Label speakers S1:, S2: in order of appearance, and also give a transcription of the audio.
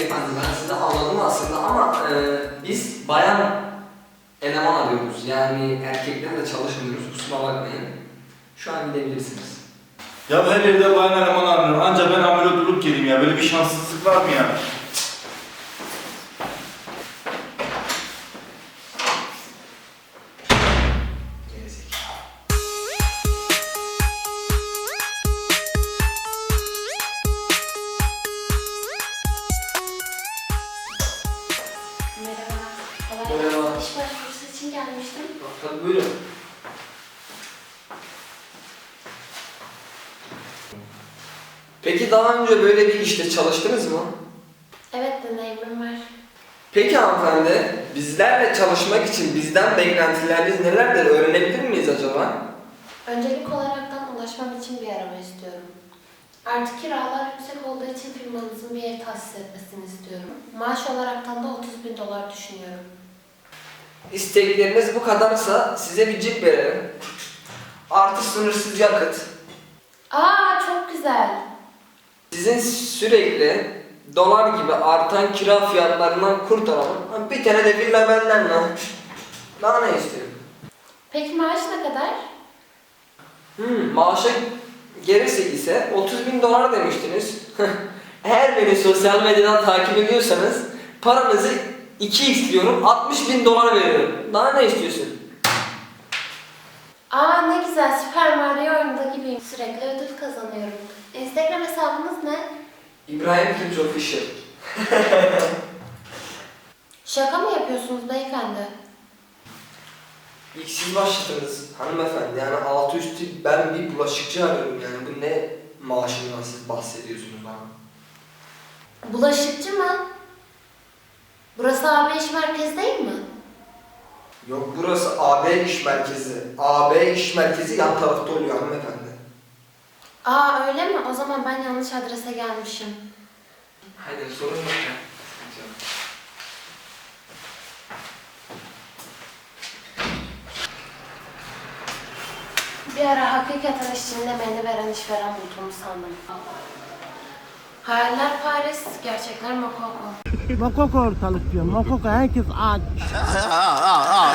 S1: beyefendi, ben sizi anladım aslında ama biz bayan eleman arıyoruz. Yani erkeklerle çalışmıyoruz, kusura bakmayın. Şu an gidebilirsiniz.
S2: Ya her yerde bayan eleman aranıyor. Anca ben ameliyat olup geleyim ya. Böyle bir şanssızlık var mı ya?
S3: Merhaba.
S1: Merhaba.
S3: İş başvurusu için gelmiştim.
S1: Tabii buyurun. Peki daha önce böyle bir işte çalıştınız mı?
S3: Evet, deneyimim var.
S1: Peki hanımefendi, bizlerle çalışmak için bizden beklentileriniz nelerdir öğrenebilir miyiz acaba?
S3: Öncelik olaraktan ulaşmam için bir araba istiyorum. Artık kiralar yüksek olduğu için firmanızın bir ev tahsis etmesini istiyorum. Maaş olaraktan da 30.000 dolar düşünüyorum.
S1: İstekleriniz bu kadarsa size bir cip verelim. Artı sınırsız yakıt.
S3: Aa, çok güzel.
S1: Sizin sürekli dolar gibi artan kira fiyatlarından kurtaralım. Bir tane de villa benden lan. Daha ne istiyorum?
S3: Peki maaş ne kadar?
S1: Maaşa gelirse ise 30.000 dolar demiştiniz. Eğer beni sosyal medyadan takip ediyorsanız paranızı 2x diyorum, 60.000 dolar veriyorum. Daha ne istiyorsun?
S3: Aa, ne güzel, Super Mario oyununda gibiyim. Sürekli ödül kazanıyorum. Instagram hesabınız ne?
S1: İbrahim Tunç Official.
S3: Şaka mı yapıyorsunuz beyefendi?
S1: İlk siz başladınız hanımefendi. Yani altı üstü ben bir bulaşıkçı arıyorum yani. Bu ne maaşından siz bahsediyorsunuz bana?
S3: Bulaşıkçı mı? Burası AB iş merkezi değil mi?
S1: Yok, burası AB iş merkezi. AB iş merkezi yan tarafta oluyor hanımefendi.
S3: Aa, öyle mi? O zaman ben yanlış adrese gelmişim.
S1: Haydi sorun yok ya. Sıkıntı yok.
S3: Bir ara hakikaten işçiliğinde beni veren işveren bulduğumu sandım. Hayaller Paris, gerçekler Makoko.
S4: Makoko ortalık diyor. Makoko herkes aç.